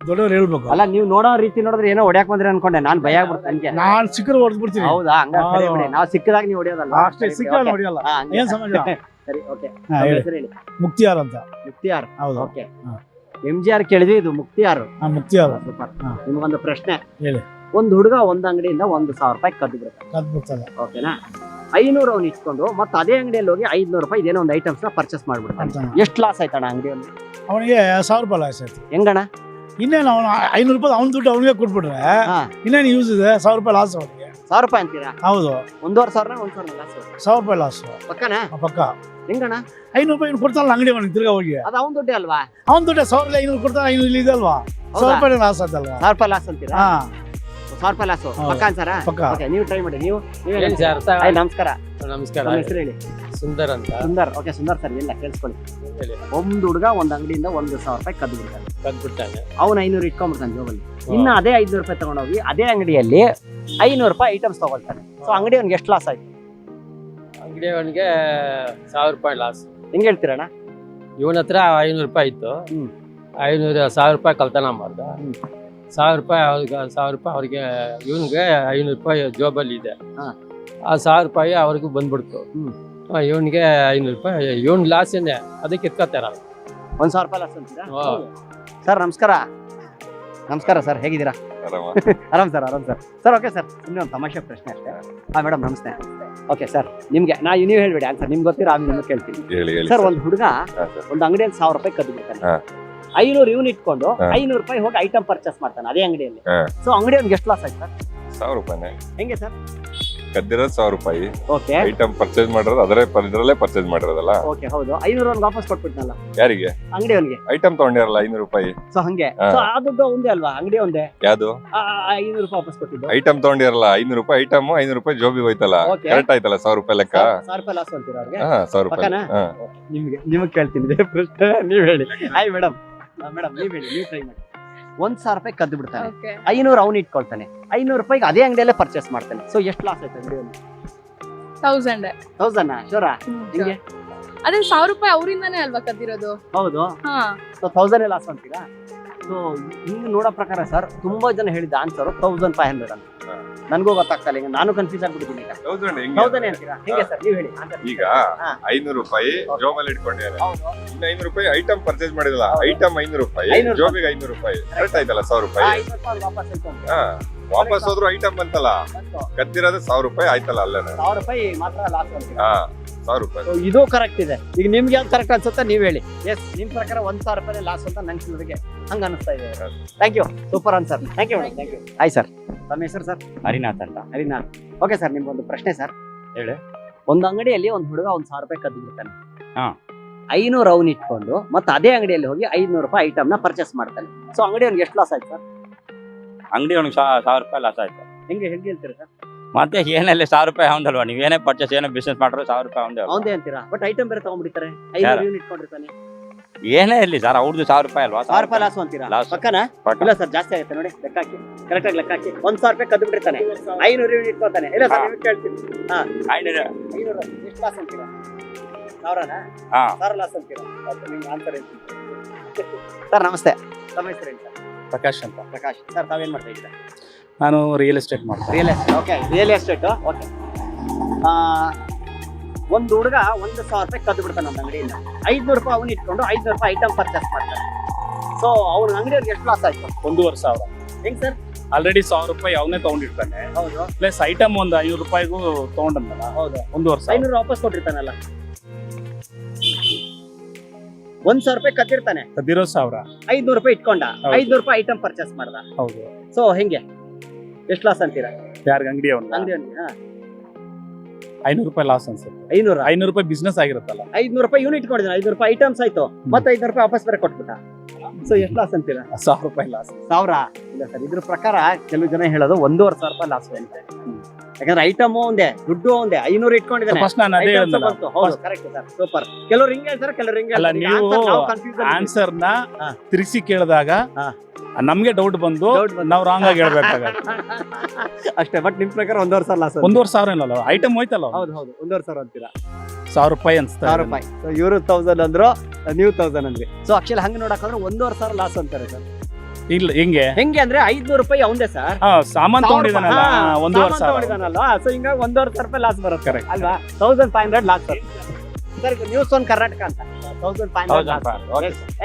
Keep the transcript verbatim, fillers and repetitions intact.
ದೊಡ್ಡವ್ರು ಹೇಳ್ಬೇಕು. ಅಲ್ಲ ನೀವು ನೋಡೋ ರೀತಿ ನೋಡಿದ್ರೆ ಏನೋ ಹೊಡ್ಯಾಕ್ ಬಂದ್ರಿ ಅನ್ಕೊಂಡೆ, ನಾನ್ ಭಯ ಆಗ್ಬಿಡ್ತು ನನ್ಗೆ. ನಾನ್ ಸಿಕ್ಕರು ಹೊಡೆದ್ ಬಿಡ್ತೀನಿ. ಹೌದಾ? ಹಂಗ ಸರಿ ಬಿಡಿ, ನಾವು ಸಿಕ್ಕದಾಗ ನೀವು ಹೊಡಿಯೋದಲ್ಲ. ಅಷ್ಟೇ, ಸಿಕ್ಕ ಹೊಡಿಯಲ್ಲ. ಏನ್ ಸಮಾಜ? ಸರಿ, ಓಕೆ. ಹೇಳಿ. ಮುಕ್ತಿಯಾರ್ ಅಂತ. ಮುಕ್ತಿಯಾರ್. ಹೌದು. ಓಕೆ. ಎಂ ಜಿ ಆರ್ ಕೇಳಿದ್ವಿ, ಇದು ಮುಕ್ತಿಯಾರ್. ಮುಕ್ತಿಯಾರ್. ಸೂಪರ್. ನಿಮ್ಗೊಂದು ಪ್ರಶ್ನೆ ಹೇಳಿ. ಒಂದ್ ಹುಡುಗ ಒಂದ್ ಅಂಗಡಿಯಿಂದ ಒಂದು ಸಾವಿರ ರೂಪಾಯಿ ಕದ್ದು ಬಿಡ್ತಾನೆ. ಕದ್ದು ಬಿಡ್ತಾನೆ. ಓಕೆನಾ? ಐನೂರು ಅವ್ನು ಇಟ್ಕೊಂಡು ಮತ್ತೆ ಅದೇ ಅಂಗಡಿಯಲ್ಲಿ ಹೋಗಿ ಐದ್ನೂರು ರೂಪಾಯಿ ಇದೇನೋ ಒಂದು ಐಟಮ್ಸ್ ನ ಪರ್ಚೇಸ್ ಮಾಡ್ಬಿಡ್ತಾನೆ. ಎಷ್ಟು ಲಾಸ್ ಆಯ್ತಣ್ಣ ಅಂಗಡಿಯಲ್ಲಿ? ಅವನಿಗೆ ಸಾವಿರ ರೂಪಾಯಿ ಲಾಸ್ ಆಯ್ತು. ಹೆಂಗಣ್ಣ? ಇನ್ನೇನು ಅವ್ನು ಐನೂರು ರೂಪಾಯಿ ಅವ್ನ ದುಡ್ಡು ಅವನಿಗೆ ಕೊಟ್ಬಿಟ್ರೆ ಇನ್ನೇನು ಯೂಸ್ ಇದೆ? ಸಾವಿರ ರೂಪಾಯಿ ಲಾಸ್ ಅವನಿಗೆ. ಸಾವಿರ ರೂಪಾಯಿ ಅಂತೀರಾ? ಹೌದು. ಒಂದೂವರೆ ಸಾವಿರ ಒಂದ್ ಸಾವಿರ ಲಾಸ್. ಸಾವಿರ ರೂಪಾಯಿ ಲಾಸ್ ಪಕ್ಕನಾ? ಪಕ್ಕ. ಹೆಂಗಣ್ಣ? ಐನೂರು ರೂಪಾಯಿ ಕೊಡ್ತಾನಲ್ಲ ಅಂಗಡಿ ಅವನಿಗೆ ತಿರ್ಗಾ ಹೋಗಿ. ಅದು ಅವ್ನ ದುಡ್ಡೇ ಅಲ್ವಾ? ಅವ್ನ ದುಡ್ಡೆ ಸಾವಿರದ ಐನೂರು ಕೊಡ್ತಾನೆ, ಐನೂರು ಇಲ್ಲಿ ಇದಲ್ವಾ? ಸಾವಿರ ರೂಪಾಯಿ ಲಾಸ್ ಆಯ್ತಲ್ವಾ? ಸಾವಿರ ರೂಪಾಯಿ ಲಾಸ್ ಅಂತೀರಾ? ಹಾ, ಸಾವಿರ ರೂಪಾಯಿ ಲಾಸ್ ಪಕ್ಕ ಅನ್ಸಾರ? ಪಕ್ಕ. ಓಕೆ, ನೀವು ಟ್ರೈ ಮಾಡಿ. ನೀವು ಸರ್ ನಮಸ್ಕಾರ. ನಮಸ್ಕಾರ. ನಿಮ್ಮ ಹೆಸರು ಹೇಳಿ. ಸುಂದರ್ ಅಂತ. ಸುಂದರ್. ಓಕೆ ಸುಂದರ್ ಸರ್, ಇಲ್ಲ ಕೇಳಿಸ್ಕೊಳ್ಳಿ. ಒಂದ್ ಹುಡುಗ ಒಂದ್ ಅಂಗಡಿಯಿಂದ ಒಂದು ಸಾವಿರ ರೂಪಾಯಿ ಕದ್ದು ಬಿಡ್ತಾನೆ. ಕದ್ಬಿಟ್ಟಾನೆ. ಅವ್ನ ಐನೂರು ಇಟ್ಕೊಂಡ್ಬಿಡ್ತಾನೆ ಜೋಬಲ್ಲಿ. ಇನ್ನ ಅದೇ ಐದ್ನೂರು ರೂಪಾಯಿ ತಗೊಂಡೋಗಿ ಅದೇ ಅಂಗಡಿಯಲ್ಲಿ ಐನೂರು ರೂಪಾಯಿ ಐಟಮ್ಸ್ ತಗೊಳ್ತಾನೆ. ಸೊ ಅಂಗಡಿ ಅವ್ನಿಗೆ ಎಷ್ಟು ಲಾಸ್ ಆಯ್ತು? ಅಂಗಡಿ ಅವನಿಗೆ ಸಾವಿರ ರೂಪಾಯಿ ಲಾಸ್. ಹೆಂಗ್ ಹೇಳ್ತೀರಣ್ಣ? ಇವನ ಹತ್ರ ಐನೂರು ರೂಪಾಯಿ ಇತ್ತು. ಹ್ಮ್. ಐನೂರು ಸಾವಿರ ರೂಪಾಯಿ ಕಳ್ತನ ಮಾಡ್ದ. ಸಾವಿರ ರೂಪಾಯಿ ಅವ್ರಿಗೆ ಸಾವಿರ ರೂಪಾಯಿ ಅವ್ರಿಗೆ ಇವನ್ಗೆ ಐನೂರು ರೂಪಾಯಿ ಜೋಬಲ್ಲಿ ಇದೆ. ಆ ಸಾವಿರ ರೂಪಾಯಿ ಅವ್ರಿಗೂ ಬಂದ್ಬಿಡ್ತು. ಇವನ್ಗೆ ಐನೂರು ರೂಪಾಯಿ ಇವನ್ ಲಾಸ್ ಏನೇ, ಅದಕ್ಕೆ ಇಟ್ಕೋತಾರ. ಒಂದ್ ಸಾವಿರ ರೂಪಾಯಿ ಲಾಸ್ ಅಂತೀರಾ? ಸರ್ ನಮಸ್ಕಾರ. ನಮಸ್ಕಾರ ಸರ್, ಹೇಗಿದ್ದೀರಾ? ಆರಾಮ್ ಸರ್, ಆರಾಮ್ ಸರ್. ಸರ್ ಓಕೆ ಸರ್, ಇನ್ನೂ ಒಂದು ತಮಾಷೆ ಪ್ರಶ್ನೆ ಅಷ್ಟೇ. ಹಾ ಮೇಡಮ್ ನಮಸ್ತೆ. ಓಕೆ ಸರ್, ನಿಮ್ಗೆ ನಾ ನೀವು ಹೇಳ್ಬೇಡಿ ಆನ್ಸರ್, ನಿಮ್ಗೆ ಗೊತ್ತಿರೋ ಆಮೇಲೆ ನಿಮ್ಗೆ ಕೇಳ್ತೀನಿ. ಸರ್ ಒಂದು ಹುಡುಗ ಒಂದು ಅಂಗಡಿಯಲ್ಲಿ ಸಾವಿರ ರೂಪಾಯಿ ಕದ್ದು ಬಿಡ್ತಾನೆ. ಐನೂರು ಇವನ್ ಇಟ್ಕೊಂಡು ಐನೂರು ರೂಪಾಯಿ ಹೋಗಿ ಐಟಮ್ ಪರ್ಚೇಸ್ ಮಾಡ್ತಾನೆ ಅದೇ ಅಂಗಡಿಯಲ್ಲಿ. ಸೊ ಅಂಗಡಿ ಅವ್ನಿಗೆ ಎಷ್ಟು ಲಾಸ್ ಆಯ್ತು ಸರ್? ಸಾವಿರ ರೂಪಾಯಿ. ಹೆಂಗೆ ಸರ್? ಕದ್ದಿರೋದು ಸಾವಿರ ರೂಪಾಯಿ, ಓಕೆ. ಐಟಮ್ ಪರ್ಚೇಸ್ ಮಾಡಿರೋದು ಅದರೇ ಇದರಲ್ಲೇ ಪರ್ಚೇಸ್ ಮಾಡಿರೋದಲ್ಲ. ಓಕೆ ಹೌದು. ಐನೂರು ಅವ್ನಿಗೆ ವಾಪಸ್ ಕೊಟ್ಬಿಟ್ನಲ್ಲ. ಯಾರಿಗೆ? ಅಂಗಡಿ ಅವ್ನಿಗೆ. ಐಟಮ್ ತಗೊಂಡಿರಲ್ಲ ಐನೂರು ರೂಪಾಯಿ. ಸೊ ಹಂಗೆ. ಸೊ ಆ ದುಡ್ಡು ಒಂದೇ ಅಲ್ವಾ? ಅಂಗಡಿ ಒಂದೇ. ಯಾವ್ದು? ಐನೂರು ರೂಪಾಯಿ ವಾಪಸ್ ಕೊಟ್ಟಿದ್ದು. ಐಟಮ್ ತಗೊಂಡಿರಲ್ಲ ಐನೂರು ರೂಪಾಯಿ, ಐಟಮ್ ಐನೂರು ರೂಪಾಯಿ ಜೋಬಿ ಹೋಯ್ತಲ್ಲ. ಕರೆಕ್ಟ್ ಆಯ್ತಲ್ಲ ಸಾವಿರ ರೂಪಾಯಿ ಲೆಕ್ಕ? ಸಾವಿರ ರೂಪಾಯಿ ಲಾಸ್ ಅಂತೀರಾ ಅವ್ರಿಗೆ? ಹಾ, ಸಾವಿರ ರೂಪಾಯಿ. ನಿಮ್ಗೆ ನಿಮಗೆ ಕೇಳ್ತೀನಿ ಪ್ರಶ್ನೆ, ನೀವ್ ಹೇಳಿ. Hi madam. ಮೇಡಮ್ ನೀವ್ ಹೇಳಿ, ನೀವು ಟ್ರೈ ಮಾಡಿ. ಒಂದ್ ಸಾವಿರ ರೂಪಾಯಿ ಕದ್ದು ಬಿಡ್ತಾನೆ, ಐನೂರು ಅವ್ನು ಇಟ್ಕೊಳ್ತಾನೆ, ಐನೂರು ರೂಪಾಯಿಗೆ ಅದೇ ಅಂಗಡಿಯಲ್ಲೇ ಪರ್ಚೇಸ್ ಮಾಡ್ತಾನೆ. ಸೊ ಎಷ್ಟು ಲಾಸ್ ಆಯ್ತು ಅಂಗಡಿಯಲ್ಲಿ? ತೌಸಂಡ್. ತೌಸಂಡ್ ಶೋರಾ? ಹಿಂಗೆ ಅದೇ ಸಾವಿರ ರೂಪಾಯಿ ಅವರಿಂದಾನೇ ಅಲ್ವಾ ಕದ್ದಿರೋದು? ಹೌದು. ಸೊ ತೌಸಂಡ್ ಲಾಸ್ ಅಂತೀರಾ? ಸೊ ಹಿಂಗ್ ನೋಡೋ ಪ್ರಕಾರ ಸರ್ ತುಂಬಾ ಜನ ಹೇಳಿದ ಆನ್ಸರ್ ತೌಸಂಡ್ ಫೈವ್ ಹಂಡ್ರೆಡ್ ಅಂತ. ನನ್ಗೂ ಗೊತ್ತಾಗ್ತಲ್ಲ, ಈಗ ನಾನು ಕನ್ಫ್ಯೂಸ್ ಆಗ್ಬಿಟ್ಟಿದ್ದೀನಿ. ತೌಸಂಡ್ ಅಂತೀರಾ? ಹೆಂಗೆ ಸರ್ ನೀವು ಹೇಳಿ. ಈಗ ಐನೂರು ರೂಪಾಯಿ ಜೋಬಲ್ಲಿ ಇಟ್ಕೊಂಡಿದ್ದಾರೆ, ಇನ್ನು ಐನೂರು ರೂಪಾಯಿ ಐಟಮ್ ಪರ್ಚೇಸ್ ಮಾಡಿರಲ್ಲ, ಐಟಮ್ ಐನೂರು ರೂಪಾಯಿ, ಜೋಬಿಗೆ ಐನೂರು ರೂಪಾಯಿ, ಕರೆಕ್ಟ್ ಆಯ್ತಲ್ಲ ಸಾವಿರ ರೂಪಾಯಿ. ಹಾ, ವಾಪಸ್ ಹೋದ್ರು ಐಟಮ್ ಬಂತಲ್ಲ, ಕದ್ದಿರೋದು ಸಾವಿರ ರೂಪಾಯಿ ಆಯ್ತಲ್ಲ ಅಲ್ಲೇ. ಸಾವಿರ ರೂಪಾಯಿ ಮಾತ್ರ ಲಾಸ್ ಅಂತೀರಾ? ಹಾ, ಸಾವಿರ ರೂಪಾಯಿ. ಇದು ಕರೆಕ್ಟ್ ಇದೆ. ಈಗ ನಿಮ್ಗೆ ಯಾವ್ದು ಕರೆಕ್ಟ್ ಅನ್ಸುತ್ತೆ ನೀವು ಹೇಳಿ. ಎಸ್, ನಿಮ್ ಪ್ರಕಾರ ಒಂದ್ ಸಾವಿರ ರೂಪಾಯಿ ಲಾಸ್ ಅಂತ ನಂಗೆ ಹಂಗ ಅನಿಸ್ತಾ ಇದೆ. Thank you, super answer. Thank you madam, thank you. Hi sir, ತಮ್ಮ ಹೆಸರು ಸರ್? ಹರಿನಾಥ್ ಅಂತ. ಹರಿನಾಥ್. ಓಕೆ ಸರ್, ನಿಮ್ಗೊಂದು ಪ್ರಶ್ನೆ ಸರ್. ಹೇಳಿ. ಒಂದು ಅಂಗಡಿಯಲ್ಲಿ ಒಂದು ಹುಡುಗ ಒಂದ್ ಸಾವಿರ ರೂಪಾಯಿ ಕದ್ದು ಬಿಡ್ತಾನೆ. ಹಾ. ಐನೂರು ಅವ್ನು ಇಟ್ಕೊಂಡು ಮತ್ತೆ ಅದೇ ಅಂಗಡಿಯಲ್ಲಿ ಹೋಗಿ ಐದ್ನೂರು ರೂಪಾಯಿ ಐಟಮ್ ನ ಪರ್ಚೇಸ್ ಮಾಡ್ತಾನೆ. ಸೊ ಅಂಗಡಿ ಅವ್ನಿಗೆ ಎಷ್ಟು ಲಾಸ್ ಆಯ್ತು ಸರ್? ಅಂಗಡಿ ಅವ್ನಿಗೆ ಸಾವಿರ ರೂಪಾಯಿ ಲಾಸ್ ಆಯ್ತು. ಹೆಂಗೆ ಹೆಂಗೆ ಹೇಳ್ತೀರಾ ಸರ್? ಮತ್ತೆ ಏನಲ್ಲಿ ಸಾವಿರ ರೂಪಾಯಿ ಅವನಲ್ವಾ? ನೀವು ಏನೇ ಪರ್ಚೇಸ್ ಏನೇ ಬಿಸ್ನೆಸ್ ಮಾಡ್ರು ಸಾವಿರ ರೂಪಾಯಿ ಅವನದೇ ಅವನದೇ ಅಂತೀರಾ? ಬಟ್ ಐಟಮ್ ಬೇರೆ ತಗೊಂಡ್ಬಿಡ್ತಾರೆ, ಐನೂರು ಯೂನಿಟ್ ಇಟ್ಕೊಂಡಿರ್ತಾನೆ. ಏನೇ ಇರ್ಲಿ ಸರ್, ಅವ್ರದ್ದು ಸಾವಿರ ರೂಪಾಯಿ ಅಲ್ವಾ? ಸಾವಿರ ರೂಪಾಯಿ ಲಾಸ್ ಅಂತೀರಾ? ಪಕ್ಕನಾ? ಇಲ್ಲ ಸರ್, ಜಾಸ್ತಿ ಆಗುತ್ತೆ ನೋಡಿ, ಲೆಕ್ಕ ಹಾಕಿ, ಕರೆಕ್ಟ್ ಆಗಿ ಲೆಕ್ಕ ಹಾಕಿ. ಒಂದ್ ಸಾವಿರ ರೂಪಾಯಿ ಕದ್ದು ಬಿಟ್ಟಿರ್ತಾನೆ, ಐನೂರು ಯೂನಿಟ್ ಇಟ್ಕೊತಾನೆ. ಇಲ್ಲ ಸರ್, ನೀವು ಕೇಳ್ತೀನಿ. ಹಾ, ಐನೂರು ಐನೂರು ಎಷ್ಟು ಲಾಸ್ ಅಂತೀರಾ? ಸಾವಿರನಾ? ಹಾ, ಸಾವಿರ ಲಾಸ್ ಅಂತೀರಾ? ನಿಮ್ಗೆ ಆನ್ಸರ್ ಏನು ಸರ್? ನಮಸ್ತೆ, ತಮ್ಮ ಹೆಸರು ಏನು ಸರ್? ಪ್ರಕಾಶ್ ಅಂತ. ಪ್ರಕಾಶ್ ಸರ್, ತಾವೇನ್ ಮಾಡ್ತಾ ಇದ್ದೀರಾ? ನಾನು ರಿಯಲ್ ಎಸ್ಟೇಟ್ ಮಾಡ್ತೀನಿ. Real estate. Okay, real estate. Okay. ಒಂದು ಹುಡುಗ ಒಂದು ಸಾವಿರ ರೂಪಾಯಿ ಕದ್ದು ಬಿಡ್ತಾನೆ ನಮ್ಮ ಅಂಗಡಿಯಿಂದ. ಐದ್ನೂರು ರೂಪಾಯಿ ಅವ್ನು ಇಟ್ಕೊಂಡು ಐದ್ನೂರು ರೂಪಾಯಿ ಐಟಮ್ ಪರ್ಚೇಸ್ ಮಾಡ್ತಾನೆ. ಸೊ ಅವ್ನ ಅಂಗಡಿಯವ್ರಿಗೆ ಎಷ್ಟು ಲಾಸ್ ಆಯ್ತು? ಒಂದೂವರೆ ಸಾವಿರ. ಹೆಂಗ್ ಸರ್? ಆಲ್ರೆಡಿ ಸಾವಿರ ರೂಪಾಯಿ ಅವನೇ ತಗೊಂಡಿರ್ತಾನೆ. ಹೌದು. ಪ್ಲಸ್ ಐಟಮ್ ಒಂದು ಐನೂರು ರೂಪಾಯಿಗೂ ತಗೊಂಡಲ್ಲ. ಹೌದು. ಒಂದೂವರೆ ಸಾವಿರ. ಐನೂರು ವಾಪಸ್ ಕೊಟ್ಟಿರ್ತಾನಲ್ಲ. ಒಂದ್ ಸಾವಿರ ರೂಪಾಯಿ ಕದ್ದಿರ್ತಾನೆ, ಕದ್ದಿರೋ ಸಾವಿರ. ಐದ್ನೂರು ರೂಪಾಯಿ ಇಟ್ಕೊಂಡ, ಐದ್ನೂರು ರೂಪಾಯಿ ಐಟಮ್ ಪರ್ಚೇಸ್ ಮಾಡ್ದ. ಹೌದು. ಸೊ ಹೆಂಗೆ ಎಷ್ಟು ಲಾಸ್ ಅಂತೀರಾ? ಯಾರಿಗೆ? ಅಂಗಡಿ ಅವನು. ಅಂಗಡಿ ಐನೂರು ರೂಪಾಯಿ ಲಾಸ್ ಅನ್ಸುತ್ತೆ. ಐನೂರು ಐನೂರು ರೂಪಾಯಿ ಬಿಸ್ನೆಸ್ ಆಗಿರುತ್ತಲ್ಲ. ಐದ್ನೂರು ರೂಪಾಯಿ ಯೂನಿಟ್ ಇಟ್ಕೊಂಡಿದ್ದಾನೆ, ಐದ್ನೂರು ರೂಪಾಯಿ ಐಟಮ್ಸ್ ಆಯ್ತು, ಮತ್ತೆ ಐದ್ನೂರು ರೂಪಾಯಿ ವಾಪಸ್ ಬೇರೆ ಕೊಟ್ಬಿಟ್ಟ. ಸೊ ಎಷ್ಟು ಲಾಸ್ ಅಂತೀರಾ? ಸಾವಿರ ರೂಪಾಯಿ ಲಾಸ್. ಸಾವಿರ? ಇಲ್ಲ ಸರ್, ಇದ್ರ ಪ್ರಕಾರ ಕೆಲವು ಜನ ಹೇಳೋದು ಒಂದೂವರೆ ಸಾವಿರ ರೂಪಾಯಿ ಲಾಸ್ ಅಂತ. ಯಾಕಂದ್ರೆ ಐಟಮ್ ಒಂದೇ, ದುಡ್ಡು ಒಂದೇ, ಐನೂರು ಇಟ್ಕೊಂಡಿದ್ದಾನೆ. ಫಸ್ಟ್ ನಾನು ಅದೇ ಹೇಳಿದ್ನಲ್ಲ. ಹೌದು, ಕರೆಕ್ಟ್ ಸರ್, ಸೂಪರ್. ಕೆಲವರು ಹಿಂಗೆ ಹೇಳ್ತಾರೆ, ಕೆಲವರು ಹಿಂಗೆ ಅಲ್ಲ. ನೀವು ಆನ್ಸರ್ ನ ತಿರುಗಿಸಿ ಕೇಳಿದಾಗ ನಮ್ಗೆ ಡೌಟ್ ಬಂದು ನಾವು ರಾಂಗ್ ಆಗಿ ಹೇಳ್ಬೇಕಾಗತ್ತೆ ಅಷ್ಟೇ. ಬಟ್ ನಿಮ್ ಪ್ರಕಾರ ಒಂದೂವರೆ ಸಾವಿರ ಲಾಸ್. ಒಂದೂವರೆ ಸಾವಿರ ಇಲ್ಲ, ಐಟಮ್ ಹೋಯ್ತಲ್ಲ. ಹೌದು ಹೌದು, ಒಂದೂವರೆ ಸಾವಿರ ಅಂತೀರಾ? ಸಾವಿರ ರೂಪಾಯಿ ಅನ್ಸ್ತಾ. ಸಾವಿರ ರೂಪಾಯಿ. ಇವರು ತೌಸಂಡ್ ಅಂದ್ರು, ನೀವು ತೌಸಂಡ್ ಅಂದ್ರಿ. ಸೊ ಆಕ್ಚುಲಿ ಹಂಗೆ ನೋಡಕ್ಕಂದ್ರೆ ಒಂದೂವರೆ ಸಾವಿರ ಲಾಸ್ ಅಂತಾರೆ ಸರ್. ಇಲ್ಲ ಹೆಂಗೆ ಹೆಂಗೆ ಅಂದ್ರೆ ಐದ್ನೂರು ರೂಪಾಯಿ ಅವಂದೇ ಸರ್ ಹಾ ಸಾಮಾನ್ ತಗೊಂಡಿದ್ದಾನಲ್ಲ ಒಂದೂವರೆ ಸಾವಿರ ತಗೊಂಡಿದ್ದಾನಲ್ಲ ಸೊ ಹಿಂಗಾಗಿ ಒಂದೂವರೆ ಸಾವಿರ ರೂಪಾಯಿ ಲಾಸ್ ಬರುತ್ತೆ Correct. ಅಲ್ವಾ thousand five hundred loss sir news one Karnataka ಅಂತ ತೌಸಂಡ್ ಫೈವ್ ಹಂಡ್ರೆಡ್